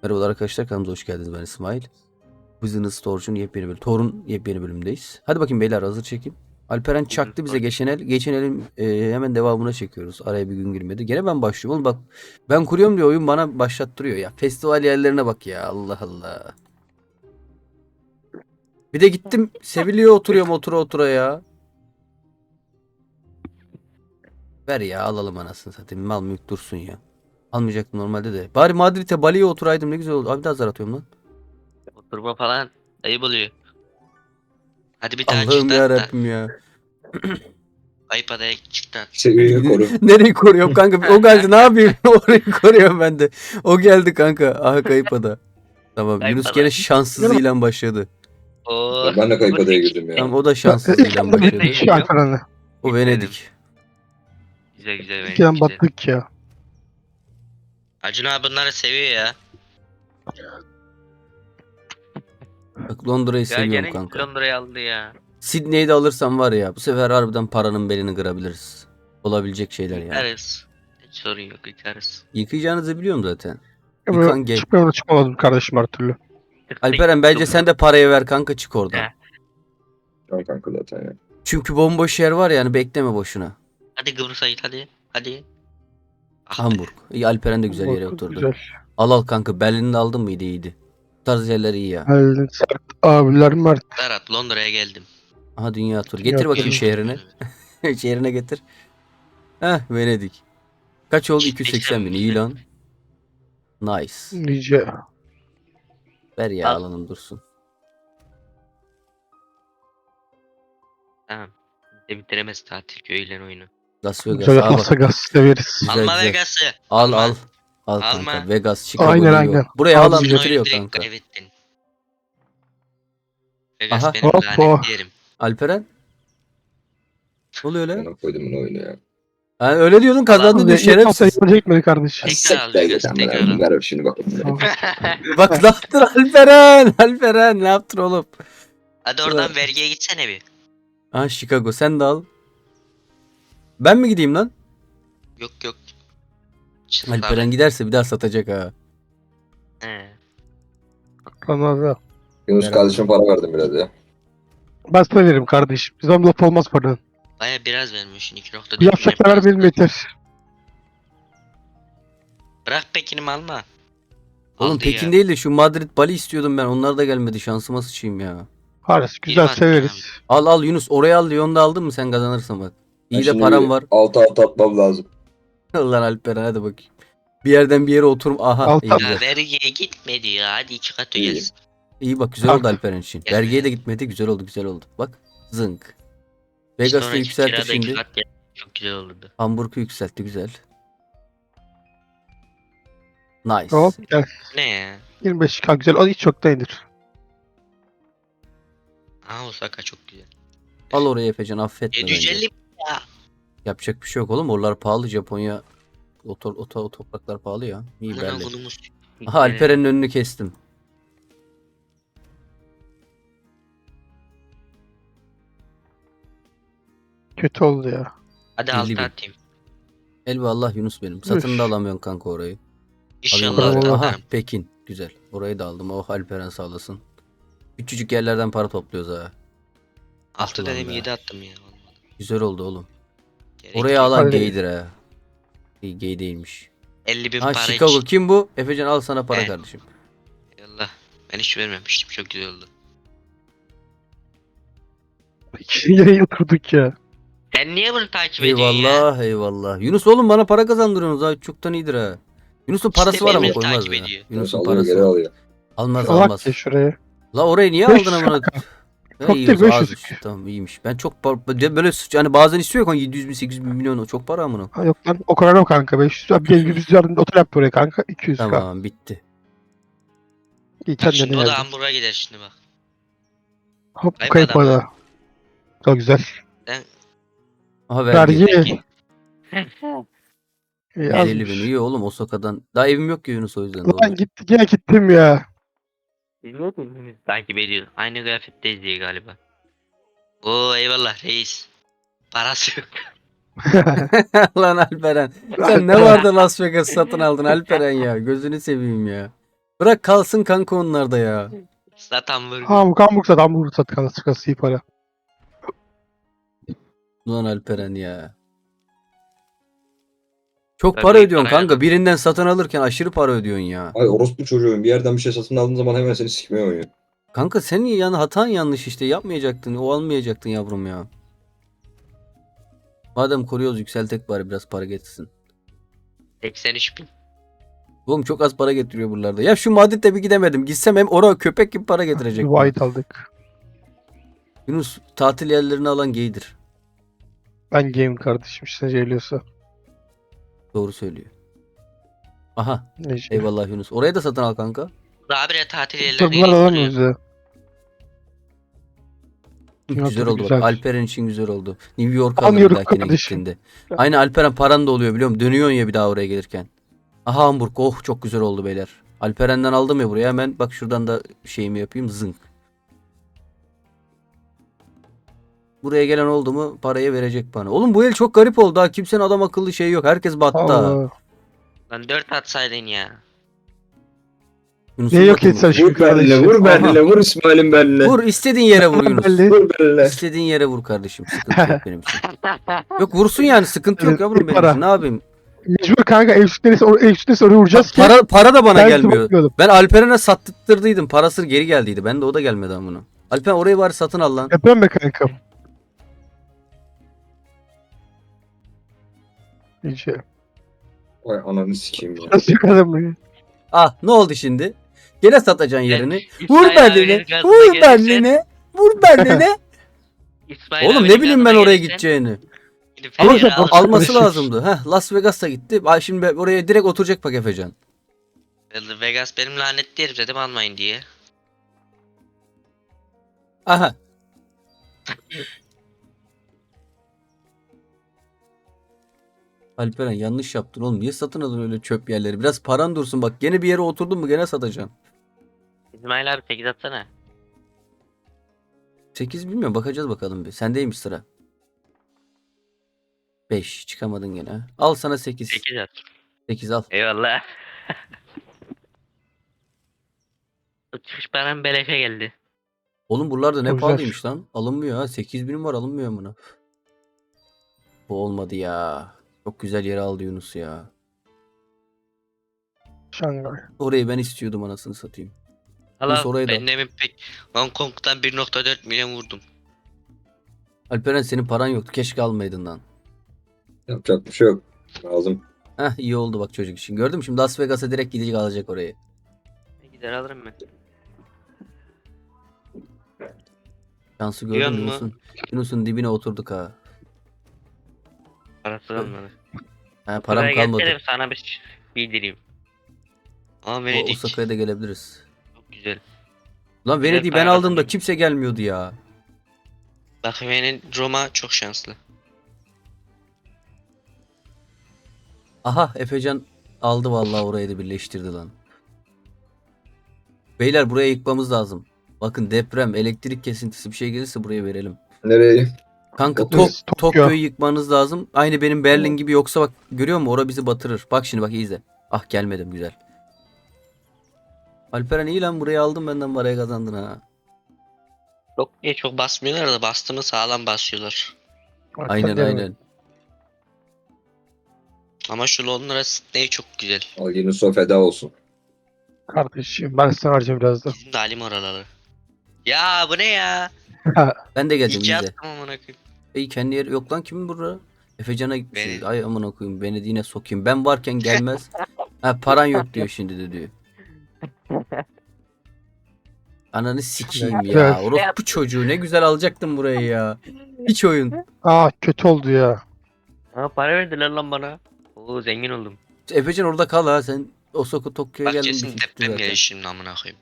Merhabalar arkadaşlar, kanalımıza hoş geldiniz. Ben İsmail. Business Storage'un yepyeni bölüm, Tor'un yepyeni bölümündeyiz. Hadi bakayım beyler, hazır çekim. Alperen çaktı bize geçen el. Geçen elin hemen devamına çekiyoruz. Araya bir gün girmedi. Gene ben başlıyorum. Oğlum bak, ben kuruyorum diyor, oyun bana başlattırıyor ya. Festival yerlerine bak ya, Allah Allah. Bir de gittim Sevilla'ya oturuyorum, otura ya. Ver ya, alalım anasını satayım. Mal mülk dursun ya. Almayacaktım normalde de. Bari Madrid'e, Bali'ye oturaydım, ne güzel oldu. Abi daha zar atıyorum lan. Oturma falan ayıp oluyor. Hadi bir tane Allah'ım çıktı ya hatta. Rabbim ya. Ayıp adaya çıktı. Seviyeyi koru. Nereyi koruyorum kanka? O geldi, ne yapayım? Orayı koruyorum ben de. O geldi kanka. Aha, kayıp ada. Tamam, Kayıp Yunus ada. gene şanssızlığıyla başladı. Oo. Ben de kayıp adaya girdim ya. Tamam, o da şanssızlığıyla başladı. Şey Alperen'le. O Venedik. Güzel güzel benim İkiden güzel. battık ya. Acun abi bunları seviyor ya. Bak, Londra'yı Ya seviyorum gene kanka. Londra'yı aldı ya. Sydney'i de alırsam var ya, bu sefer harbiden paranın belini kırabiliriz. Olabilecek şeyler yani. Yıkarız. Hiç sorun yok yıkarız. Yıkayacağınızı biliyorum zaten. Ama Yıkan gel. çıkamadım kardeşim her türlü. Alperen, bence sen de parayı ver kanka, çık oradan. He. Tamam kanka zaten ya. Çünkü bomboş yer var yani, bekleme boşuna. Hadi Kıbrıs'a git hadi. Hadi. Ah be. Hamburg. İyi, Alperen de güzel yere Bak, oturdu. Güzel. Al kanka, Berlin'i de aldın mıydı, iyiydi. Bu tarz yerler iyi ya. Halil Sert abiler Mert. Serhat Londra'ya geldim. Aha, dünya turu. Dünya Getir bakayım turu. şehrine. Şehrine getir. Heh, Venedik. Kaç oldu? 280 bin. İyi lan. Nice. Nice. Ver ya, Al. alalım dursun. Tamam. Bir de bitiremez tatil köylen oyunu. Las Vegas. Güzel Aa, Las bak. Vegas severiz. Güzel, Alma güzel. Vegas'ı. Al Alma. al. Al Alma. kanka. Vegas, Chicago, Aynen, New York. aynen. Buraya Al, alan güzel. götürüyor Oyunu kanka. kaybettin. Vegas Aha. benim Hoppa. lanet yerim. Alperen. Ne oluyor öyle? Bana koydum bunu oyunu ya. Ha, öyle diyordun, kazandın diyor, şerefsiz. Çekmedi kardeşim. Tekrar al Vegas, tekrar al. Ver şimdi bak. Bak, ne yaptın Alperen? Alperen ne yaptın oğlum? Hadi oradan vergiye gitsene bir. Ha, Chicago, sen de al. Ben mi gideyim lan? Yok yok. Alperen giderse bir daha satacak ha. He. Anladım. Yunus Merhaba. kardeşime para verdim biraz ya. Ben sana veririm kardeşim. Bizden laf olmaz paranın. Baya biraz vermişsin 2.4 Bir yapacaklar ver benim yeter. Bırak Pekin'imi alma. Oğlum Aldı Pekin ya. değil de şu Madrid, Bali istiyordum ben. Onlar da gelmedi. Şansıma sıçayım ya. Kardeş güzel bak severiz. Al Yunus, oraya al. Lyon'da aldın mı sen, kazanırsın bak. İyi de param var. Altı atmam lazım. Lan Alperen, hadi bakayım. Bir yerden bir yere oturum. Aha, Altı iyi at. güzel. Ya vergiye gitmedi ya. Hadi 2 katı İyi. gelsin. İyi bak, güzel oldu Kanka. Alperen için. Gel Vergiye be. de gitmedi, güzel oldu. Bak, zınk. İşte Vegas'ta ona yükseltti kirada iki şimdi. kat geldi. Çok güzel olurdu. Hamburg'u yükseltti, güzel. Nice. Hop gel. Ne ya? 25k güzel. O hiç çok değildir. Aha Osaka çok güzel. Al oraya Efecan, affetme bence. 750 ya. Yapacak bir şey yok oğlum. Oralar pahalı, Japonya. O topraklar pahalı ya. İyi Aman belli. oğlumuz. Aha, Alperen'in önünü kestim. Kötü oldu ya. Hadi 50 altı bin. atayım. Elvallah Yunus benim. Satın da alamıyorsun kanka orayı. İnşallah Alıyorum altı orayı. Allah. Aha, atarım. Pekin. Güzel. Orayı da aldım. Oh, Alperen sağ olasın. Küçücük yerlerden para topluyoruz ha. Altı Ulan dedim be. 7 attım ya. Güzel oldu oğlum. Gerek Oraya yok. alan Hadi. gaydir ha. İyi, gay değilmiş. 50 bin Ha, para Chicago için. kim bu? Efecan, al sana para Evet. kardeşim. Yallah. Ben hiç vermemiştim. Çok güzel oldu. İki yere oturduk ya. Sen niye bunu takip ediyorsun ya? Eyvallah. Yunus oğlum, bana para kazandırıyorsunuz ha. Çoktan iyidir ha. Yunus'un parası İşte var ama beni koymaz takip ya. ediyor. Yunus Yunus'un alıyor parası geri var. alıyor. Almaz. Salak ya şuraya. La orayı niye 500 aldın amına? Çok İyi, değil, az 500. işte, tamam, iyiymiş. Ben çok böyle yani bazen istiyor kan 700 bin 800 bin milyon, o çok para amına. Ha, yok lan o kadar yok kanka. 500. Abi gel 100 yardım otel yap buraya kanka. 200k. Tamam, bitti. İyi Bak kendine şimdi o da geldin. Hamburg'a gider şimdi bak. Hop Kayıp kayıp adam ada. Çok güzel. Aha, vergi. Vergi. İyi 50 bin azmış. iyi oğlum, Osaka'dan. Daha evim yok ki Yunus, o yüzden Ulan doğru. gitti gene gittim ya. Bilmiyor musun? Takip ediyor. Aynı kıyafetteyiz diye galiba. Oo eyvallah reis. Parası yok. Lan Alperen. Sen ne vardı Las Vegas satın aldın Alperen ya. Gözünü seveyim ya. Bırak kalsın kanka onlar da ya. Zaten vurgu. Hamburg sat kanka sıkası iyi para. Ulan Alperen ya. Çok Tabii para ödüyorsun parayla kanka. da- Birinden satın alırken aşırı para ödüyorsun ya. Ay orospu çocuğum bir yerden bir şey satın aldığın zaman hemen seni sikmeye oynuyor. Kanka senin yani hatan yanlış işte. Yapmayacaktın. O almayacaktın yavrum ya. Madem koruyoruz yükseltek bari biraz para getirsin. 83 bin. Oğlum çok az para getiriyor buralarda. Ya şu Madrid'de bir gidemedim. Gitsem hem oraya köpek gibi para getirecek bana. White aldık. Yunus tatil yerlerini alan gaydir. Ben game kardeşim işte geliyorsa. Doğru söylüyor. Aha Neyse. eyvallah Yunus. Oraya da satın al kanka. Daha bir de tatil Dur yerlerine bunlar gelip alamıyoruz duruyor. ya. Dünya Güzel turu oldu güzel. bak. Alperen için güzel oldu. New York alır bir Anlıyorum dahakine kardeşim. gittiğinde. Aynen Alperen paran da oluyor biliyor musun? Dönüyorsun ya bir daha oraya gelirken. Aha Hamburg. Oh çok güzel oldu beyler. Alperen'den aldım ya buraya. Hemen bak şuradan da şeyimi yapayım. Zınk. Buraya gelen oldu mu parayı verecek bana. Oğlum bu el çok garip oldu ha. Kimsenin adam akıllı şey yok. Herkes battı ha. Allah. Lan 4 atsaydın ya. Yunus'un Ne yok batı mı? etsen şu Vur Berlin'e, kardeşim. vur Aha. Berlin'e, vur İsmail'in Berlin'e. Vur istediğin yere vur Yunus. Belli. Vur Berlin'e. İstediğin yere vur kardeşim. Sıkıntı yok benim için. Yok vursun yani sıkıntı yok yavrum benim Para. için. Ne yapayım? Mecbur kanka ev sütleri oraya vuracağız ki. Para da bana Ben gelmiyor. bakmıyordum. Ben Alperen'e sattırdıydım. Parası geri geldiydi. Ben de o da gelmedi amına. Alperen orayı var satın al lan. Yapıyorum be kankam. İyice. Vay ananı sikeyim ya. Nasıl yakaladın bunu? Ah ne oldu şimdi? Gene satacaksın yerini. İsmail Vur abinin Berlin'e. gazına Vur gelirsen- Berlin'e. Vur Berlin'e. İsmail Oğlum abinin ne bileyim ben gazına oraya gelirsen gideceğini. gidip Ama her yere sen- al. Alması Karışık. lazımdı. Heh, Las Vegas'a gitti. Ay şimdi oraya direkt oturacak bak Efecan. Vegas benim lanetli herif dedim almayın diye. Aha. Alperen yanlış yaptın oğlum. Niye satın alın öyle çöp yerleri? Biraz paran dursun bak. Gene bir yere oturdun mu gene satacaksın. İsmail abi 8 atsana. 8 bilmiyorum bakacağız bakalım bir. Sendeymiş sıra. 5 çıkamadın gene. Ha. Al sana 8. 8 at. 8 al. Eyvallah. O çıkış param beleşe geldi. Oğlum buralarda ne Güzel. pahalıymış lan. Alınmıyor ha. 8.000 var alınmıyor buna. Bu olmadı ya. Çok güzel yere aldı Yunus ya. Şangay. Orayı ben istiyordum anasını satayım. Allah orayı da- ben demin pek Hong Kong'dan 1.4 milyon vurdum. Alperen senin paran yoktu. Keşke almaydın lan. Yapacak bir şey yok. Lazım. Heh iyi oldu bak çocuk için. Gördün mü şimdi Las Vegas'a direkt gidecek alacak orayı. Gider alırım ben. Şansı Biliyor gördün musun? Yunus'un. Yunus'un dibine oturduk ha. Parası kalmadı. Ha param Buraya kalmadı. gelsene sana bir bildireyim. Ama O Venedik Osaka'ya da gelebiliriz. çok güzel. Lan Güzel Venedik'i ben para aldığımda kazanıyor. kimse gelmiyordu ya. Bak Roma çok şanslı. Aha Efecan aldı vallahi orayı da birleştirdi lan. Beyler buraya yıkmamız lazım. Bakın deprem, elektrik kesintisi bir şey gelirse buraya verelim. Nereye? Kanka Tokyo. Tokyo'yu yıkmanız lazım. Aynı benim Berlin gibi yoksa bak görüyor musun? Ora bizi batırır. Bak şimdi bak iyi izle. Ah gelmedim güzel. Alperen iyi lan burayı aldım benden paraya kazandın ha. Çok basmıyorlar da bastığımı sağlam basıyorlar. Aynen aynen. Ama şu Londra Sydney çok güzel. Al Yunus'a feda olsun. Kardeşim ben sana harcayacağım biraz da. Bizim de alim oraları. Ya bu ne ya? Ben de geldim İki izle. attım amına koyayım. Ey kendi yeri yok lan kimin burada? Efecan'a gitmişsiniz. Benim. Ay amına koyayım beni yine sokayım. Ben varken gelmez. Ha paran yok diyor şimdi de diyor. Ananı sikeyim Evet. ya. Orospu çocuğu ne güzel alacaktım burayı ya. Hiç oyun. Aa kötü oldu ya. Ha para verdiler lan bana. Oo zengin oldum. Efecan orada kal ha sen. Osaka Tokyo'ya Bak geldin. kesin bitti deprem zaten. gelir şimdi amına koyayım.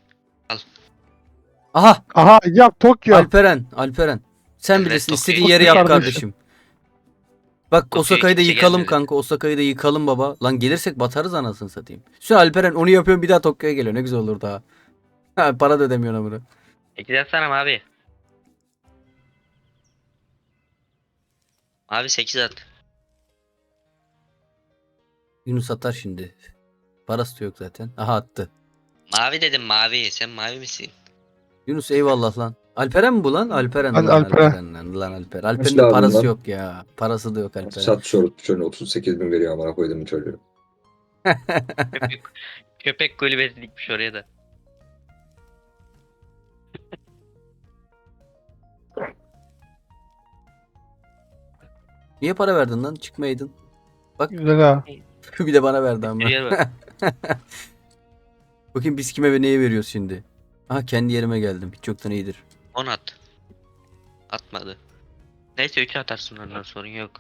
Aha Aha yap Tokyo. Alperen. Sen Evet, bilirsin Tokyo. istediğin yeri yap Kardeşim. kardeşim. Bak Tokyo'ya Osaka'yı da kimse yıkalım gelmedi. kanka. Osaka'yı da yıkalım baba. Lan gelirsek batarız anasını satayım. Şu Alperen onu yapıyorum bir daha Tokyo'ya geliyor. Ne güzel olur daha. Ha, para da ödemiyorsun bunu. 8 atsana abi. Abi 8 at. Yunus atar şimdi. Parası da yok zaten. Aha attı. Mavi dedim mavi. Sen mavi misin? Yunus eyvallah lan. Alperen mi bu lan? Alperen Hadi lan Alperen. Alperen lan. Lan Alperen. Alperen'in lazım parası lan? yok ya. Parası da yok Alperen. Sat şöyle 38 bin veriyor amına koydum çocuğu. Köpek kulübesi dikmiş oraya da. Niye para verdin lan? Çıkmaydın. Güzel ha. Bir de bana verdi ama. Bir yer var. Bakayım biz kime ve neye veriyoruz şimdi. Aha kendi yerime geldim. Hiç yoktan iyidir. 10 at. Atmadı. Neyse 3 atarsın ondan sorun yok.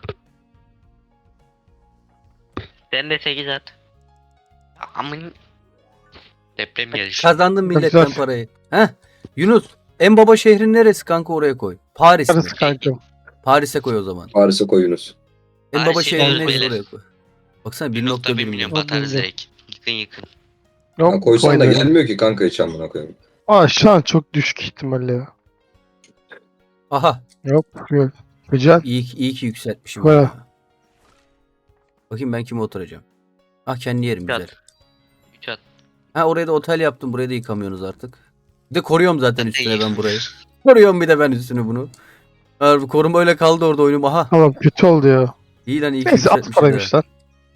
Sen de 8 at. Amın. Deprem gelişi. Kazandın milletten Güzel. parayı. Heh. Yunus en baba şehrin neresi kanka, oraya koy. Paris mi? Parası kankam. Paris'e koy o zaman. Paris'e koyunuz. En Paris'e baba şehrin gidiyoruz neresi, beyler. oraya koy. Baksana 1.1 1.1 milyon milyon. batarız direkt. Yıkın. Ya koysan da Koydu. gelmiyor ki kanka hiç amına koyayım. Aa şu an çok düşük ihtimalle ya. Aha Yok yok. Güzel. iyi ki yükseltmişim. Baya. ya. Bakayım ben kime oturacağım. Ah kendi yerim Üç at. güzel. 3 at. Ha oraya da otel yaptım. Burayı da yıkamıyorsunuz artık. Bir de koruyorum zaten Ben de üstüne ben yıkam. burayı. Koruyorum bir de ben üstüne bunu. Harbi koruma öyle kaldı orada oyunum. Aha. Tamam kötü oldu ya. İyi lan iyi ki Neyse at yükseltmişim de. paraymış lan.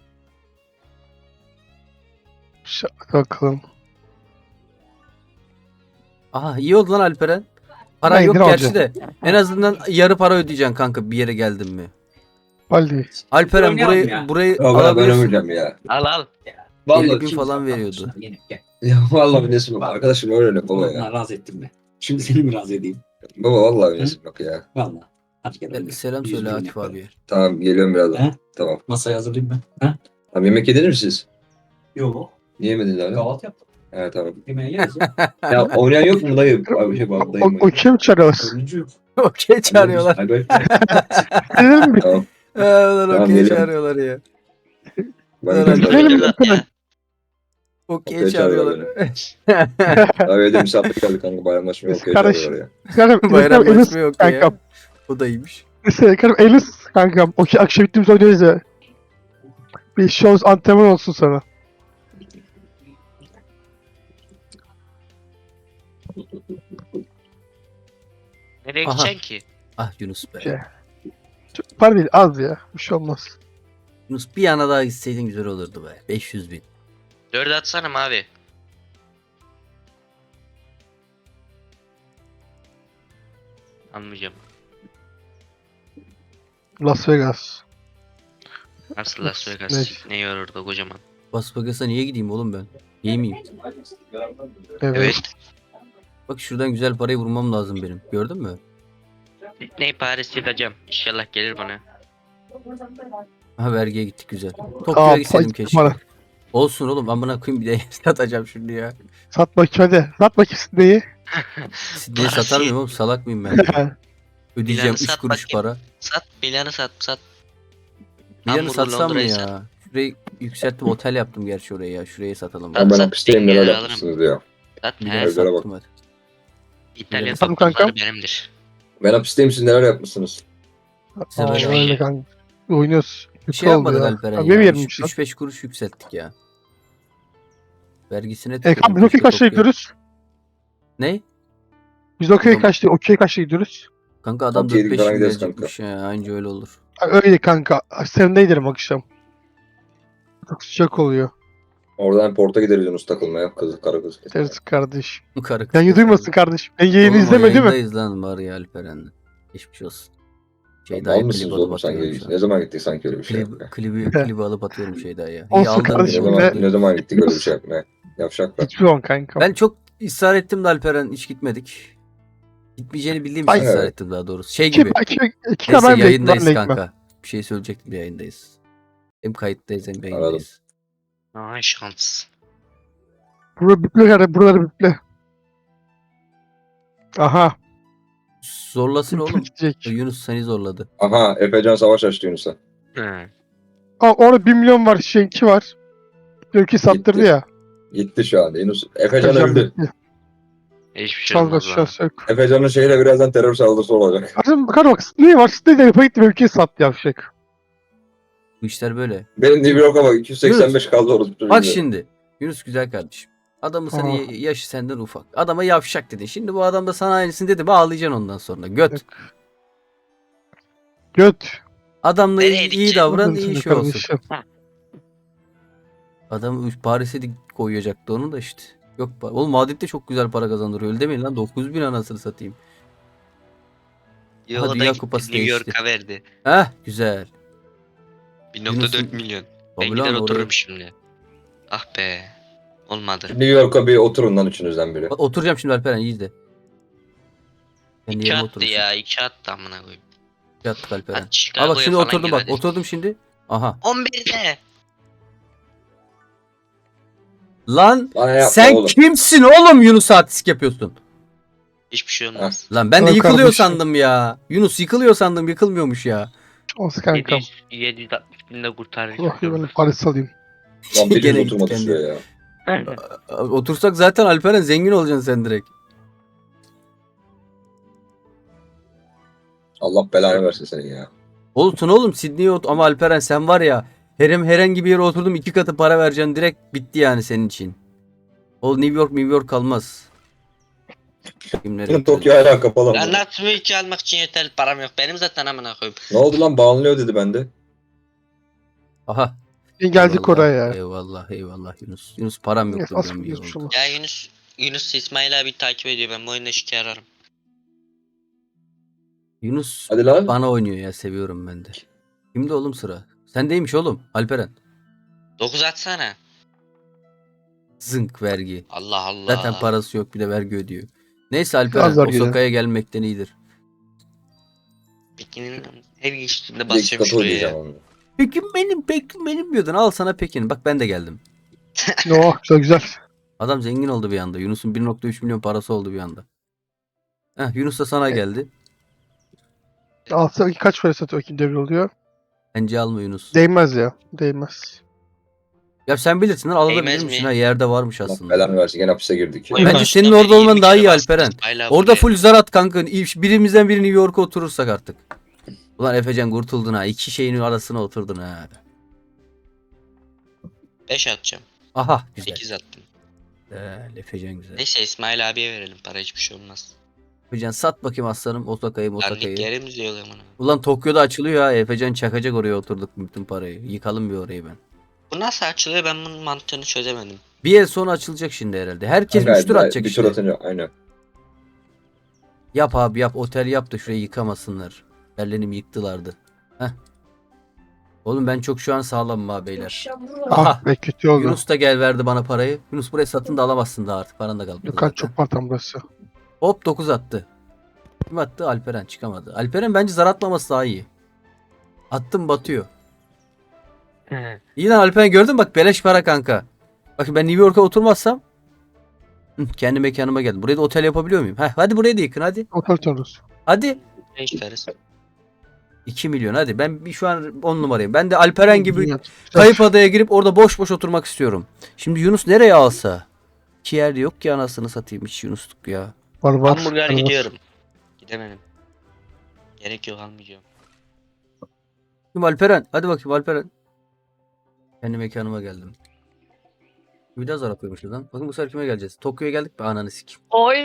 Hadi bakalım. Aha iyi oldu lan Alperen. Para Ben yok indirim gerçi de. En azından yarı para ödeyeceksin kanka bir yere geldin mi? Hadi. Alperen Oynayalım burayı ya. burayı Ya ben alabilirsin. öleceğim ya. Al al. 50 bin Şimdi falan sana veriyordu. kalmışlar, yine gel. Ya vallahi bir nesim yok. Arkadaşım öyle baba Vallahi ya. razı ettim be. Şimdi seni mi razı edeyim? Baba vallahi bir nesim yok ya. Vallahi. Hadi gel. oynayalım. Selam 100 söyle milyon Akif yaparım. abiye. Tamam geliyorum birazdan. He? Tamam. Masayı hazırlayayım ben. Ha? Tamam yemek yediniz mi siz? Yok. Niye yemediniz abi? Kahvaltı yaptım. He tamam. Yemeğe yeriz ya. Ya oynayan yok mu dayı? Abi şey bak dayı. O kim çağırıyoruz? Dördüncü yok. Okey çağırıyorlar. Ay, böyle- Gidelim mi? Tamam. Lan Tamam, okey geliyorum. çağırıyorlar ya. Ben Gidelim gidiyorum. mi? Dört at ya. Okey Okey çağırıyorlar. Abi evde misafir geldi kanka bayramlaşmaya Biz okey kardeş- çağırıyorlar ya. Kankam Bayramlaşma yok ya. kankam. O da iyiymiş. Kankam Elis kankam. Okey akşam bittiğimiz oynayacağız ya. Bir show antrenman olsun sana. Nereye Aha. gideceksin ki? Ah Yunus be. Şey. Çok para değil az ya. Bir şey olmaz. Yunus bir yana daha gitseydin güzel olurdu be. 500 bin. 4 atsana mavi. Anlayacağım. Las Vegas. Nasıl Las Ne? Vegas? Ne var orada kocaman? Las Vegas'a niye gideyim oğlum ben? İyi miyim? Evet. Evet. Bak şuradan güzel parayı vurmam lazım benim. Gördün mü? Sydney Paris yıkacağım. İnşallah gelir bana. Ha vergiye gittik güzel. Tokyo'ya gitseydim pay- keşke. para. Olsun oğlum amına koyayım bir de satacağım şimdi ya. Sat bakayım hadi. Sat bakayım neyi? Sidney'i satar mıyım oğlum, salak mıyım ben? Ödeyeceğim Milan'ı 3 sat kuruş bakayım. para. Sat Milan'ı sat. Milan'ı Hamburg'u, satsam mı Londra'yı ya? sat. Şurayı yükselttim, otel yaptım gerçi oraya ya. Şurayı satalım. Sat, Ya ben sat, hapisteyim bin neler lira yapmışsınız ya. Sat Bir he. de Evlere bak. sattım hadi. İtalyan Sattım kankam. topçuları benimdir. Ben hapisteyim siz neler yapmışsınız? Sen Aa, öyle öyle oyna. kanka. Oynuyoruz. Bir Kötü şey oldu yapmadık ya. Alperen Abi ya. benim yerimmiş lan. 3-5 kuruş yükselttik ya. Vergisine Kanka biz okey keşke kaçta Tokyo. gidiyoruz? Ne? Biz okey Oğlum. kaçta? Okey kaçta gidiyoruz? Kanka adam Okey, 4-5 falan bin gideriz verecekmiş ya. Anca öyle olur. Ha, öyle kanka. Sen de giderim akşam. Çok sıcak oluyor. Oradan porta gideriz Yunus takılmaya. Kız, karı kız. Deriz kardeş. Bu karı kız. Yayını duymasın kardeş. Ben yayını Oğlum o izleme değil mi? yayındayız lan var ya Alperen'le. Geçmiş olsun. Mal mısınız oğlum sanki? atıyorum Ne zaman gittik sanki öyle bir şey yapmaya? klibi alıp atıyorum ya. Olsun İyi aldın kardeşim Ne beni. be. zaman, ne zaman gittik öyle bir şey yapmaya? Yavşak bak. Hiçbir zaman kanka. Ben çok ısrar ettim de Alperen hiç gitmedik. Gitmeyeceğini bildiğim için Ay, ısrar evet. ettim daha doğrusu. Şey İki, gibi. iki Neyse ben de yayındayız ben de gitmem. kanka. Bir şey söyleyecektim de yayındayız. Hem kayıttayız hem yayındayız. Ay şans. Buraları büple kardeşim. Buraları büple. Aha. Zorlasın oğlum. Gidecek. Yunus seni zorladı. Aha Efecan savaş açtı Yunus'a. Hı. Aa, orada 1 milyon var. Şeyinki var. Ülke sattırdı Gitti. ya. Gitti şu anda Yunus. Efecan öldü. Hiçbir şey Çaldı olmaz lan. aşağı yok. Efecan'ın şeyle birazdan terör saldırısı olacak. Kardeşim bakar bak. Ne var? Siz de yapıp gitti. Ülkeyi sattı yavşak. Bu işler böyle. Benim New York'a bak 285 kaldı orası. Bak şimdi. Yunus güzel kardeşim. Adamın senin Aa. yaşı senden ufak. Adama yavşak dedin. Şimdi bu adam da sana aynısını dedi. Bağlayacaksın ondan sonra. Göt. Göt. Adamla Nereye iyi gideceksin? davran, Anladın iyi sen şey olsun. kardeşim. Adam Paris'e koyacaktı onu da işte. Yok oğlum Madrid'de çok güzel para kazandırıyor. Öyle demeyin lan 9.000 anasını satayım. Yo, Aha, o da Dünya gitti, Kupası New değişti. York'a verdi. Heh güzel. 1.4 milyon. Ben Tabii gider lan otururum oraya. şimdi. Ah be. Olmadı. New York'a bir oturun lan üçünüzden biri. Oturacağım şimdi Alperen iyi izle. Kendi 2 yerime attı oturursun. ya. 2 attı amına koyayım. Yattık Alperen. Hadi Aa bak Chicago'ya şimdi falan oturdum gir bak. hadi. Oturdum şimdi. Aha. 11'de. Bana yapma Sen oğlum. kimsin oğlum Yunus artistik yapıyorsun? Hiçbir şey olmaz. Lan ben de Tamam yıkılıyor kardeşim. sandım ya. Yunus yıkılıyor sandım yıkılmıyormuş ya. Olsun kankam. 760 binde kurtarır. Oh ya ben Paris alayım. Lan biriniz Gene oturmadı gitti şuraya ya. Otursak zaten Alperen zengin olacaksın sen direkt. Allah belanı versin senin ya. Olsun oğlum Sydney'e ama Alperen sen var ya herhangi bir yere oturdum 2 katı para vereceksin direkt bitti yani senin için. O New York kalmaz. Kimlere Benim getirelim? Tokyo hala kapalı Ya ama. nasıl mülki almak için yeterli param yok. Benim zaten amına koyayım. Ne oldu lan bağlanıyor dedi bende. Aha. Geldik Eyvallah, oraya ya. Eyvallah Yunus. Yunus param Yes, yoktu az benim bir geçmiş oldu. ama. Ya Yunus İsmail abi takip ediyor. Ben bu oyunda şike ararım. Yunus Hadi lan. bana oynuyor ya seviyorum ben de. Kimde oğlum sıra? Sendeymiş oğlum Alperen. 9 atsana. Zınk vergi. Allah Allah. Zaten parası yok bir de vergi ödüyor. Neyse Az Alperen vergi Osaka'ya gelmekten iyidir. Pekin'in her geçtiğinde Bir iki basıyorum katı şuraya ödeyeceğim ya. onu. Pekin benim diyordun. Al sana Pekin. Bak ben de geldim. Oh güzel güzel. Adam zengin oldu bir anda. Yunus'un 1.3 milyon parası oldu bir anda. Yunus da sana geldi. Alsa kaç para satıyor kim devre oluyor? Bence alma Yunus. Değmez ya. Değmez. Ya sen bilirsin lan alabilir Değmez misin mi? ha yerde varmış Allah aslında. belanı versin gene hapise girdik. ya. Oy, Bence baştan senin orada beri olman 20 daha kere iyi bastım Alperen. İsmail abi Orada buraya. full zar at kanka. Birimizden biri New York'a oturursak artık. Ulan Efecan kurtuldun ha. 2 şeyin arasına oturdun ha. 5 atacağım. Aha güzel. 8 attım. Efecan güzel. Neyse İsmail abiye verelim. Para hiçbir şey olmaz. Efecan sat bakayım aslanım Osaka'yı. Dandik yerimiz yok amına. Ulan Tokyo'da açılıyor ha. Efecan çakacak oraya oturduk bütün parayı. Yıkalım bir orayı ben. Bu nasıl açılıyor ben bunun mantığını çözemedim. Bir yıl sonra açılacak şimdi herhalde. Herkes Kanka, 3 tur atacak bir işte. tur atınca aynen. Yap abi yap. Otel yap da şurayı yıkamasınlar. Berlin'im yıktılardı. Heh. Oğlum ben çok şu an sağlamım ha beyler. Aha. Ah be kötü oldu. Yunus da gel verdi bana parayı. Yunus burayı satın da alamazsın daha artık. Paran da kalmadı Yukarı zaten. çok partam burası. Hop 9 attı. Kim attı? Alperen çıkamadı. Alperen bence zar atmaması daha iyi. Attım batıyor. İyi lan Alperen gördün mü? Bak beleş para kanka. Bak ben New York'a oturmazsam kendi mekanıma geldim. Buraya da otel yapabiliyor muyum? Heh, hadi burayı da yıkın hadi. Otel tutarız. Hadi. Ne çıkarız? 2 milyon hadi. Ben şu an 10 numarayım. Ben de Alperen gibi Güzel. kayıp adaya girip orada boş boş oturmak istiyorum. Şimdi Yunus nereye alsa? İki yerde yok ki anasını satayım hiç Yunusluk ya. Var var. Hamburger Var. gidiyorum. Gidemedim. Gerek yok almayacağım. Şimdi Alperen. Hadi bakayım Alperen. Kendi mekanıma geldim. Bir daha zar atıyormuşuz lan. Bakın bu sefer kime geleceğiz? Tokyo'ya geldik mi? Ananı sikim. Oy!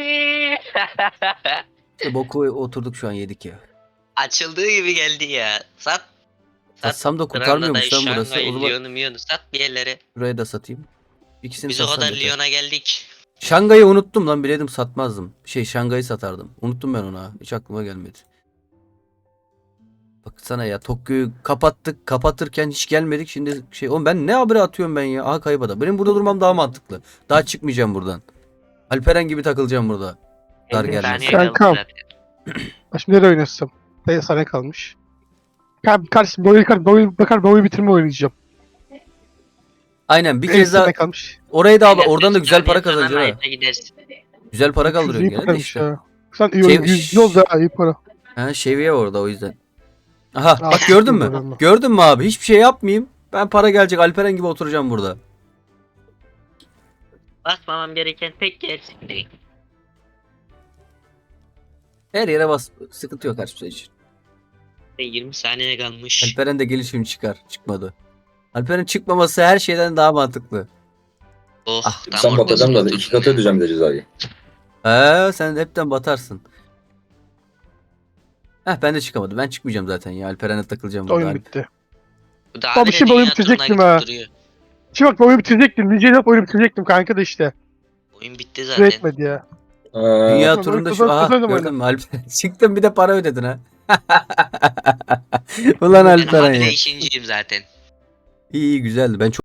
İşte boku oturduk şu an yedik ya. Açıldığı gibi geldi ya. Sat. Satsam da kurtarmıyormuş lan burası. O Şangay, zaman Lyon'u sat bir yerlere. buraya da satayım. İkisini Biz o satsam kadar yeter. Lyon'a geldik. Şangay'ı unuttum lan bileydim satmazdım. Şangay'ı satardım. Unuttum ben onu ha. Hiç aklıma gelmedi. Baksana ya Tokyo'yu kapattık. Kapatırken hiç gelmedik. Şimdi oğlum ben ne haberi atıyorum ben ya. Aha kaybada. Benim burada durmam daha mantıklı. Daha çıkmayacağım buradan. Alperen gibi takılacağım burada. Dar 50 gelmesin. saniye kaldı Kankam. zaten. Ben şimdi nereye oynasam? Dayı sana kalmış. Kardeşim bu oyunu bitirme oynayacağım. Aynen bir 50 kez daha sene kalmış. orayı da al. Aynen, Oradan da 5 güzel para saniye sonra kazanacaksın ha. Knight'a gidersin. Güzel para kaldırıyorsun İyi gene de paraymış işte. ya. Sen iyi Şey- oyun. 100 oldu ha iyi para. Ha şeviye orada o yüzden. Aha Aa, bak gördün mü? bilmiyorum. Gördün mü abi? Hiçbir şey yapmayayım. Ben para gelecek Alperen gibi oturacağım burada. Basmamam gereken tek yer şimdi. Her yere bas. Sıkıntı yok hiçbir şey için. 20 saniye kalmış. Alperen de gelişim çıkar. Çıkmadı. Alperen çıkmaması her şeyden daha mantıklı. Oh Ah, tam Sen batacağım da ortasına 2 katı ödeyeceğim bir de cezayı. Sen hepten batarsın. Ben de çıkamadım. Ben çıkmayacağım zaten ya. Alperen'e takılacağım burada. Oyun bitti. Bu da Abi abi de şimdi oyun dünya turuna bitirecektim gidip ha. duruyor. Şimdi bak oyunu bitirecektim. Niceyle oyunu bitirecektim kanka da işte. Oyun bitti Süre zaten. etmedi ya. Dünya Kazan- turunda kazan- şu aha kazandım gördün oyunu. mü Alperen? Çıktın bir de para ödedin ha. Ulan Ben Alperen habire ya. işinciyim zaten. İyi güzeldi. Ben çok